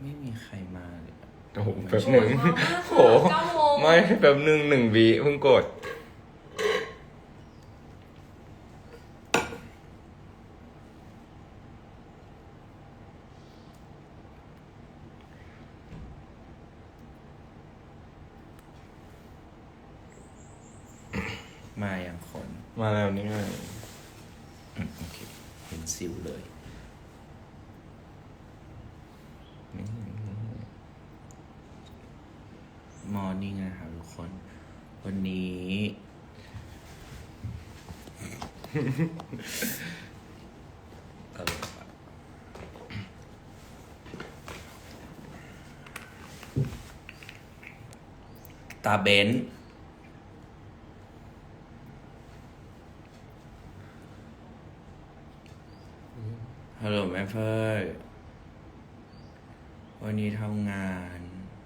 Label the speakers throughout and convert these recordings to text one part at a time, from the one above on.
Speaker 1: ไม่มีใครมาเลยอะ
Speaker 2: โอ้โหแป๊บหนึ่งโอ้โหไม่แป๊บหนึ่ง1 วิเพิ่งกด
Speaker 1: มาอย่างคน
Speaker 2: มาแล้วนี่ไง
Speaker 1: โอเคเห็นซิวเลยมอร์นิ่งนะครับทุกคน วันนี้ตาเบนฮัลโหลแม่เฟิร์นวันนี้ทำงาน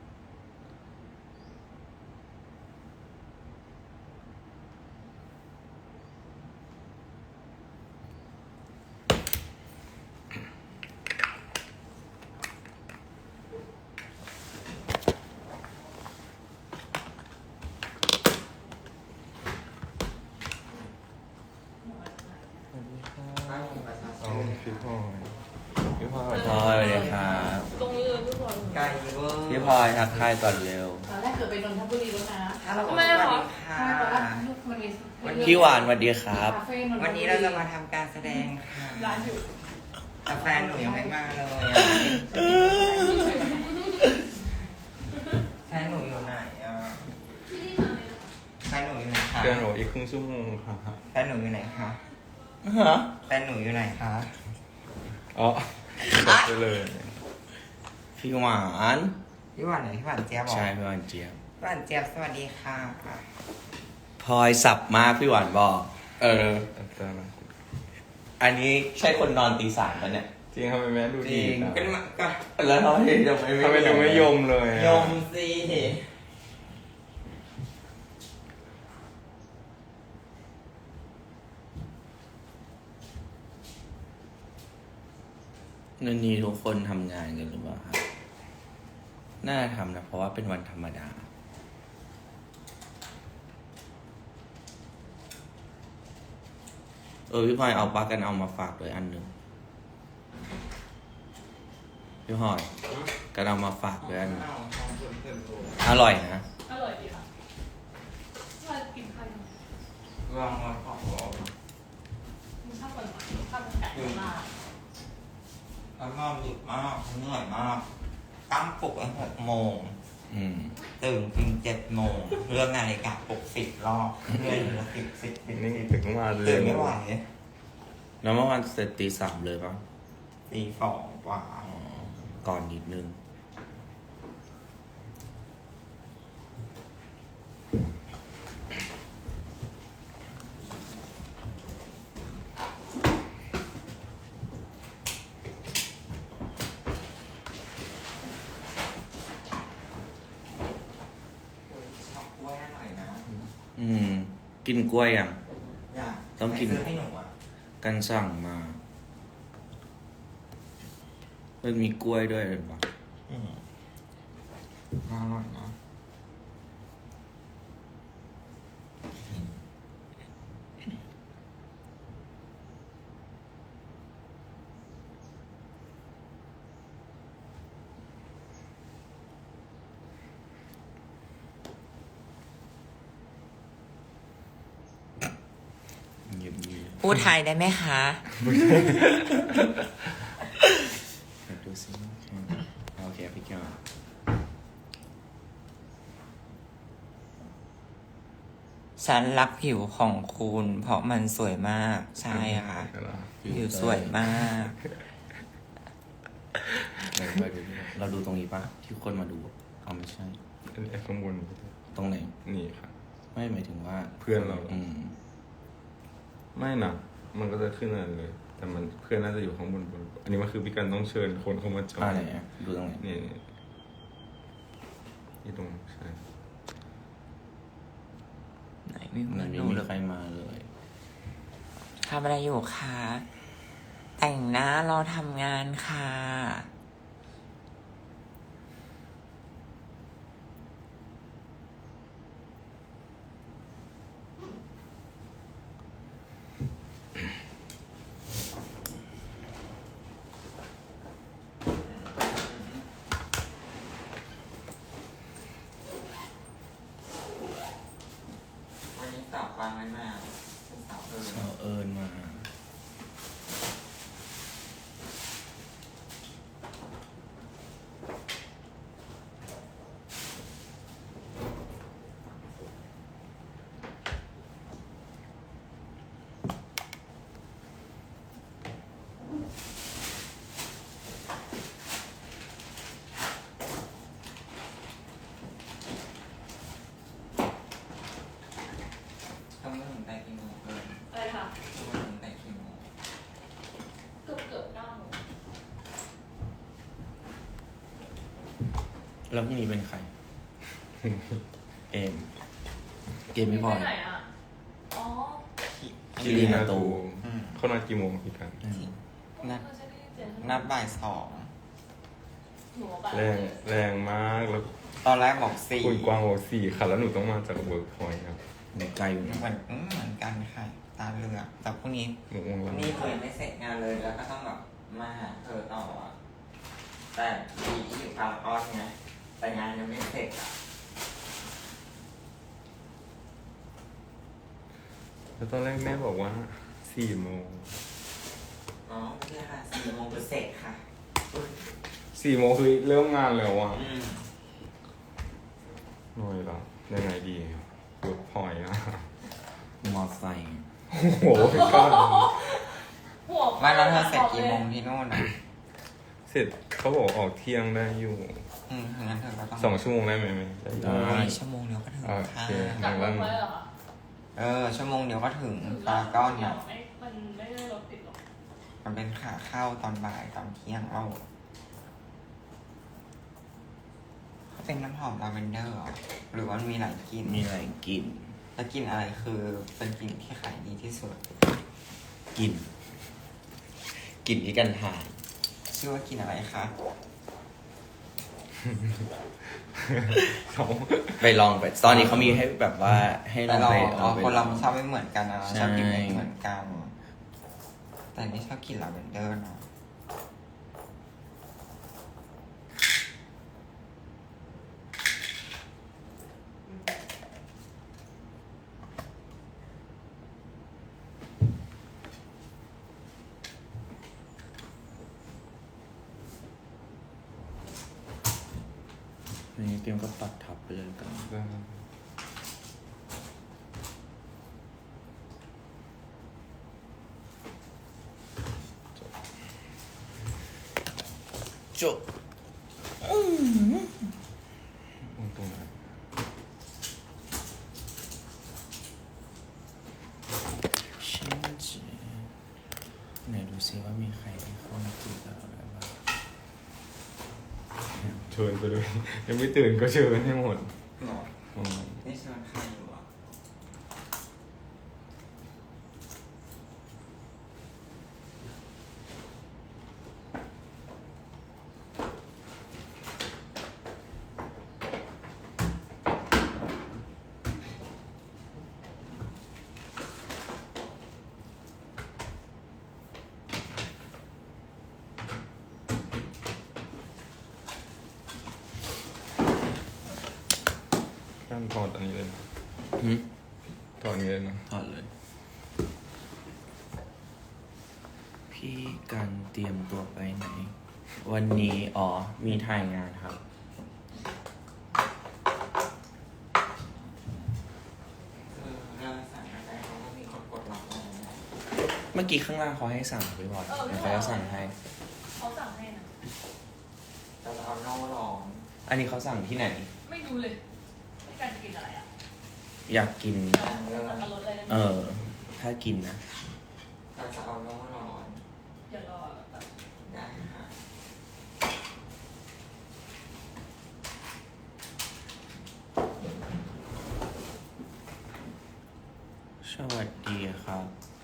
Speaker 2: เอาพี่พลอยพี่พลอย
Speaker 1: พลอยสวัสดีครับ
Speaker 3: ตรงนี้เลยพี่บอล
Speaker 4: ไก่เวอร์
Speaker 1: พี่พลอยทักทายก่อนเร็ว
Speaker 5: ตอนแรกเกิดไปนนทบุรีแล้วนะ
Speaker 4: ฮัลโหล
Speaker 3: ทำไมอะคะ
Speaker 5: ใช่ตอนแรกมันมี
Speaker 1: พี่หวานสวัสดีครับ
Speaker 5: คาเฟ่นนทบุรี
Speaker 4: วันนี้เราจะมาทำการแสดงค่ะ
Speaker 3: ร้านอยู่
Speaker 4: แต่แฟนหนูยังไม่มาเลยอะแฟนหนูอยู่ไหนอ่ะแฟนหนูอยู่ไหนคะ
Speaker 2: เกินหรออีกครึ่งชั่วโมงค่ะ
Speaker 4: แฟนหนูอยู่ไหนคะ
Speaker 1: ฮะ
Speaker 4: แฟนหนูอยู่ไหนคะ
Speaker 2: อ๋อจบไปเลย
Speaker 1: พี่หวาน
Speaker 4: พี่หวานไหนพี่หวานเจี๊ยบบอก
Speaker 1: ใช่พี่หวานเจี๊ยบ
Speaker 4: พี่หวานเจี๊ยบสวัสดีค่ะ
Speaker 1: พลอยสับมากพี่หวานบอก
Speaker 2: แต่ละ
Speaker 1: อันนี้ใช่คนนอนตี 3กันเนี่ย
Speaker 2: จริงทำไมแม่ดู
Speaker 4: จ
Speaker 2: ดี
Speaker 4: ริง
Speaker 2: นะ
Speaker 4: เป็นมาก็
Speaker 1: แล้วทำไมทำไม
Speaker 2: ทำไมถึงไม่ยมเลยอะ
Speaker 4: ยมสิ
Speaker 1: นันนี้ทุกคนทำงานกันหรือเปล่าครับน่าทำนะเพราะว่าเป็นวันธรรมดา พี่พลอยเอาปลากันเอามาฝากด้วยอันหนึ่งพี่พลอยกันเอามาฝากด้วยอันหนึ่ง
Speaker 4: เอาของเพิ่มๆ
Speaker 1: อร่อยนะ
Speaker 3: อร่อยดีค่ะว่ากินข้าวยัง
Speaker 4: ลองมาขอ
Speaker 3: มึงชอบคนไหนชอบไก่มาก
Speaker 4: แล้วนอนดึกมากเหนื่อยมากตั้งปลุกไว้6 โมง
Speaker 1: อืม
Speaker 4: ตื่นจริง7 โมงเรื่องนาฬิกาปลุก10 รอบเรื่อยละ10
Speaker 2: นี่ถึงมาเลย
Speaker 4: ตื่นไม่ไหว
Speaker 1: แล้วเมื่อวานเสร็จตี 3เลยปะ
Speaker 4: ตี2 กว่า
Speaker 1: ก่อนนิดนึงกินกล้วยยัง ต้องกิน
Speaker 4: ซื้อให้หนูอ่ะ
Speaker 1: กันสั่งมา มันมีกล้วยด้วยหรือเปล่า
Speaker 4: อร่อยนะ
Speaker 1: เงียบ
Speaker 4: พูดไทยได้ไหมคะ
Speaker 1: ๆดูสิโอเคพี่แก้ว
Speaker 4: ฉันรักผิวของคุณ เพราะมันสวยมาก ใช่ค่ะ ผิวสวยมาก
Speaker 1: เราดูตรงนี้ปะที่คนมาดูเอาไม่ใช่
Speaker 2: อันนี้ข้างบน
Speaker 1: ตรงไหน
Speaker 2: นี่ค่ะ
Speaker 1: ไม่หมายถึงว่า
Speaker 2: เพื่อนเราไม่นะมันก็จะขึ้นอะไรเลย แต่มันเพื่อนน่าจะอยู่ข้างบน อันนี้มันคือพี่กันต้องเชิญคนเข้ามาจอย
Speaker 1: ไหนอะดูตรงไหน
Speaker 2: นี่ตรงใช่
Speaker 4: ไหนไม่
Speaker 1: มัน
Speaker 4: ห
Speaker 1: ไม่
Speaker 4: นู
Speaker 1: มี
Speaker 4: เลย
Speaker 1: ใครมาเลย
Speaker 4: ทำอะไรอยู่คะ แต่งหน้ารอทำงานค่ะ
Speaker 1: เอาเอิญมา
Speaker 4: ทำเรื่องถึงแต่กี่โมงเกิน
Speaker 3: อะไรค่ะ
Speaker 4: ทำเรื่องถึงแต่กี่โมง
Speaker 3: เกือบ9 โมง
Speaker 1: แล้วพรุ่งนี้เป็นใคร เอม เกมไม่พอ
Speaker 3: ไปไหนอ่ะ อ๋อ
Speaker 1: คิรินาตู
Speaker 2: เขานัดกี่โมงพี่กัน
Speaker 4: นัด
Speaker 3: ฉันได้ยินเสียง
Speaker 4: นัดบ่าย2
Speaker 3: หนูว่า
Speaker 2: แรงมากแล้ว
Speaker 4: ตอนแรกบอก4
Speaker 2: คุณกวางบอก4ค่ะแล้วหนูต้องมาจากเวิร์กพอยต์ครับ
Speaker 1: หนูไกลอยู่นะ
Speaker 4: เหมือนกันค่ะ ตาเรือแต่พรุ่งนี้
Speaker 2: หนูงงแล้ว
Speaker 4: นี่เคยไม่เสร็จงานเลยแล้วก็ต้องแบบมาหาเธอต่ออะแต่ดีที่อยู่พารากอนไงแต่งานยังไม่เสร็จอ่ะ
Speaker 2: แล้วตอนแรกแม่บอกว่า4 โมง
Speaker 4: อ๋อไม่ใช่ค่ะ4 โมงจะเสร็จค่ะ
Speaker 2: 4 โมงคือเริ่มงานแล้วอ่ะ
Speaker 4: อืม
Speaker 2: หน่อยละยังไงดีเวิร์กพอยต์อ่ะ
Speaker 1: มอไซค์
Speaker 2: โอ้โหพี่กัน
Speaker 3: หัว
Speaker 4: ไม่แล้วเธอเสร็จกี่โมงที่นู่นอ่ะ
Speaker 2: เสร็จเขาบอกออกเที่ยงได้อยู่
Speaker 4: งั้นเธอก็ต้อง
Speaker 2: 2 ชั่วโมงได้ไหมได้อยู่
Speaker 4: ชั่วโมงเดียวก็ถึง
Speaker 2: โอ
Speaker 4: ค่ะ
Speaker 2: เค
Speaker 3: จากรถไว้เหรอคะ
Speaker 4: ชั่วโมงเดียวก็ถึงพารากอน
Speaker 3: เนี่
Speaker 4: อ่ะ
Speaker 3: มันไม่ได้รถติดหรอก
Speaker 4: มันเป็นขาเข้าตอนบ่ายตอนเที่ยงเราเขาเป็นน้ำหอมลาเวนเดอร์เหรอหรือว่ามีหลายกลิ่น
Speaker 1: มีอะไรกิน
Speaker 4: แล้วกลิ่นอะไรคือเป็นกลิ่นที่ขายดีที่สุด
Speaker 1: กิน กินที่กันถ่าย
Speaker 4: ชื่อว่ากลิ่นอะไรคะ
Speaker 2: เขา
Speaker 1: ไปลองไป ตอนนี้เขามีให้แบบว่าให้ล
Speaker 4: แต่
Speaker 1: อง
Speaker 4: เรา
Speaker 1: ไป
Speaker 4: คนเรา
Speaker 1: ลอง
Speaker 4: ชอบไม่เหมือนกันนะ
Speaker 1: ใช่
Speaker 4: ชอบกลิ่นไม่เหมือนกัน แต่นี่ชอบกลิ่นลาเวนเดอร์เนาะ
Speaker 1: นี่เตรียมก็ปัดทับไปเลยกัน จบ
Speaker 2: ตรงไหน
Speaker 1: ฉันจะไหนดูซิว่ามีใครที่เข้ามาคุยกับเราได้บ้าง
Speaker 2: เชิญไปเลยยังไม่ตื่นก็เชิญให้หมด
Speaker 4: หรอ
Speaker 2: อืม
Speaker 4: นี่ชวนใครอยู่อ่ะ
Speaker 2: ขั้นถอดอันนี้เลยนะ
Speaker 1: หืม
Speaker 2: ถอดอันนี้เลยนะ
Speaker 1: ถอดเลย พี่กันเตรียมตัวไปไหน วันนี้ มีถ่ายงานครับ
Speaker 4: เราสั่งอะไรเขาก็มีคนกดรับอะไรนะ
Speaker 1: เมื่อกี้ข้างล่างเขาให้สั่งไปบ่อยเดี๋ยวเขาจะสั่งให้
Speaker 3: เขาสั่งให้นะ
Speaker 4: แต่เราเอาโน่ร้อน
Speaker 1: อันนี้เขาสั่งที่ไหน
Speaker 3: ไม่รู้เลยไม่การจะกินอะไรอ่ะ
Speaker 1: อยากกิน
Speaker 3: สั่งกับรถอะไรได้ไหม
Speaker 1: ถ้ากินนะ
Speaker 4: เราจะเอาโน่ร้อน
Speaker 3: เดี๋ยวรอแบบ
Speaker 4: ได้ค่ะ
Speaker 1: สวัสดีครับ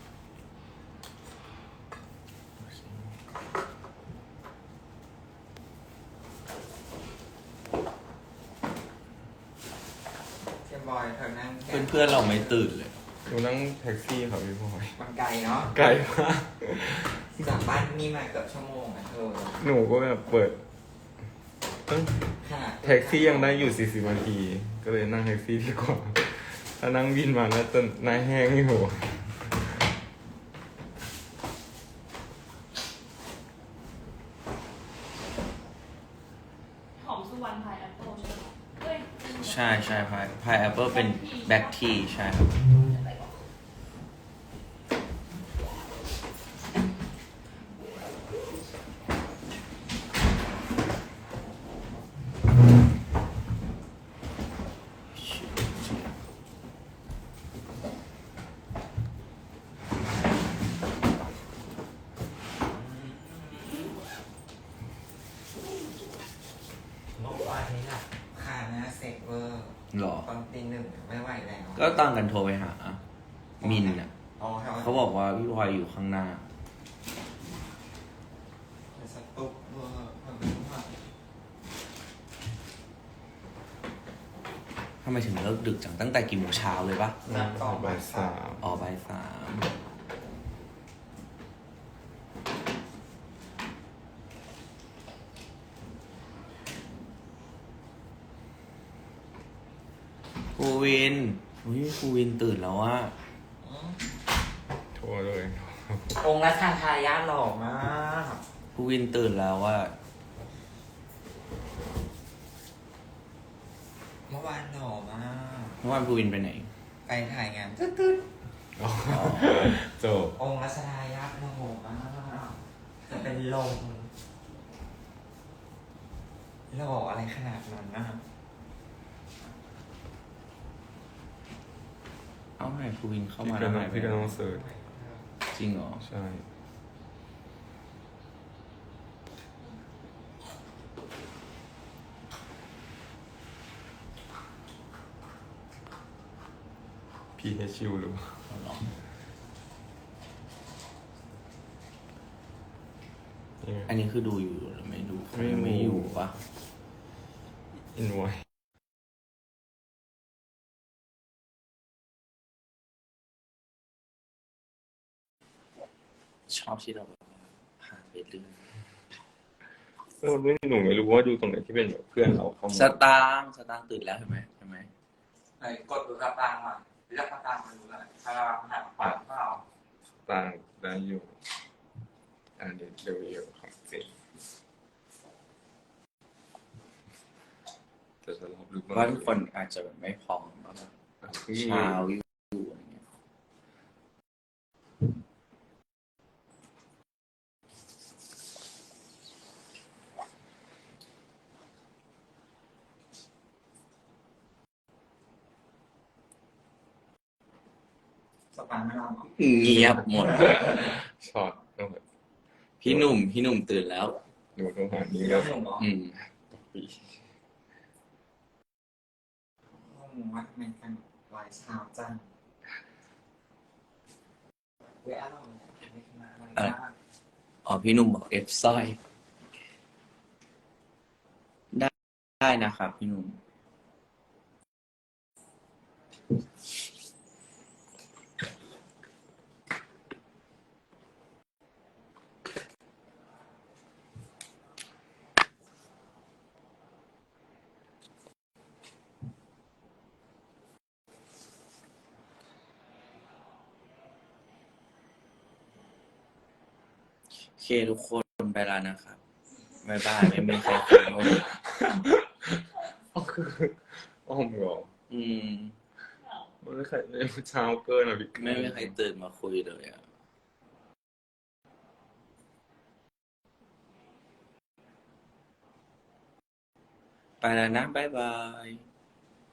Speaker 4: เทียบอยเธอนั่งแกะ
Speaker 1: เพื่อนๆเราไม่ตื่นเลย
Speaker 2: หนูนั่งแท็กซี่ครับพี่พลอย
Speaker 4: มันไกลเนาะ
Speaker 2: ไกลมาก
Speaker 4: จากบ้านนี่มาเกือบชั่วโมงอะเธอ
Speaker 2: หนูก็แบบเปิดตั้ง
Speaker 4: ขนาด
Speaker 2: แท็กซี่ยังได้อยู่40 นาที ก็เลยนั่งแท็กซี่ดีกว่า ถ้านั่งวินมาน่าจะหน้าแห้งอยู่
Speaker 1: ใช่ใช่พายแอปเปิลเป็นแบ็คทีใช่ครับ
Speaker 4: เมื่อวานนี้น่ะขาหน้าเซ็กเวอร์
Speaker 1: หรอ
Speaker 4: ตอนตีหนึ่งไม่ไหวแล้ว
Speaker 1: ก็ตั้งกันโทรไปหา มินอ่ะ
Speaker 4: อ๋อ
Speaker 1: เขาบอกว่าพี่พลอยอยู่ข้างหน้า
Speaker 4: สตุ๊กเวอร์มันเป็นว่า
Speaker 1: ทำไมถึงเลิกดึกจังตั้งแต่กี่โมงเช้าเลยปะ
Speaker 2: บ่ายสาม
Speaker 1: อ๋อบ่ายสามภูวินอุ้ยภูวินตื่นแล้วว่า
Speaker 2: โทรเลย
Speaker 4: องค์รัชทายาทหล่อมาก
Speaker 1: ภูวินตื่นแล้วว่า
Speaker 4: เมื่อวานหล่อมาก
Speaker 1: เมื่อวานภูวินไปไหน
Speaker 4: ไปถ่ายงานตึ๊ด
Speaker 2: อ๋อจบ
Speaker 4: ๆองค์รัชทายาทหล่อมากจะเป็นลมหล่ออะไรขนาดนั้นนะ
Speaker 1: เอ้าไหนภูวินเข้า
Speaker 2: พี่
Speaker 1: มา
Speaker 2: ก็
Speaker 1: แล้ว
Speaker 2: ต้
Speaker 1: หา
Speaker 2: อง
Speaker 1: ยไป
Speaker 2: พี่
Speaker 1: ไห
Speaker 2: ก็
Speaker 1: น
Speaker 2: ต้องเสิร์ช
Speaker 1: จริงเหรอ
Speaker 2: ใช่พีเอชิวหรือเปล่า
Speaker 1: เอาเหรอ
Speaker 2: เนี่ย
Speaker 1: อันนี้คือดูอยู่หรือไม่ดูไม่อยู่ปะ
Speaker 2: อินไว้
Speaker 1: ชอบที่เราแบบผ่านไปเรื่อย
Speaker 2: ไม่หนูไม่รู้ว่าดูตรงไหนที่เป็นแบบเพื่อนเราเข้ามา
Speaker 1: สตางค์ตื่นแล้วเห็นไหม
Speaker 4: ไหนกดดูกระตังอ่ะเรียกกระตังมาดูหน่อยถ้าหักขวาเปล่า
Speaker 2: ต่างได้อยู่เดี๋ยวเร็วๆของจริงแต่จะรอบลึก
Speaker 1: ว่าทุกคนอาจจะแบบไม่พร้อมว่าแบบเช้าอยู่อะไรเงี้ย
Speaker 4: สปันไม่รอ
Speaker 1: เงียบหมด
Speaker 2: ช็อตต้องแบบ
Speaker 1: พี่หนุ่มตื่นแล้ว
Speaker 2: หนูต้องหานี้
Speaker 4: เรื่
Speaker 2: แล้
Speaker 4: อ
Speaker 2: ว
Speaker 4: งหนุ่มเหรอ
Speaker 1: อืม
Speaker 4: งงว่าทำไมกันไวเช้าจังเว้ยอะไรไม่ขึ้นมาอะไรบ้าง
Speaker 1: อ๋อพี่หนุ่มบอกเอฟสร้อย ได้นะครับพี่หนุ่ม โอเคทุกคนไปแล้วนะครับบ๊ายบายไม่มีใครคุยด้วย
Speaker 2: ก็คืออ้อมเหรอ
Speaker 1: อืม
Speaker 2: มันไม่ใช่เช้าเกินอ่ะพี่
Speaker 1: ไม่มีใครตื่นมาคุยเลยอ่ะ ไปแล้วนะบ๊ายบาย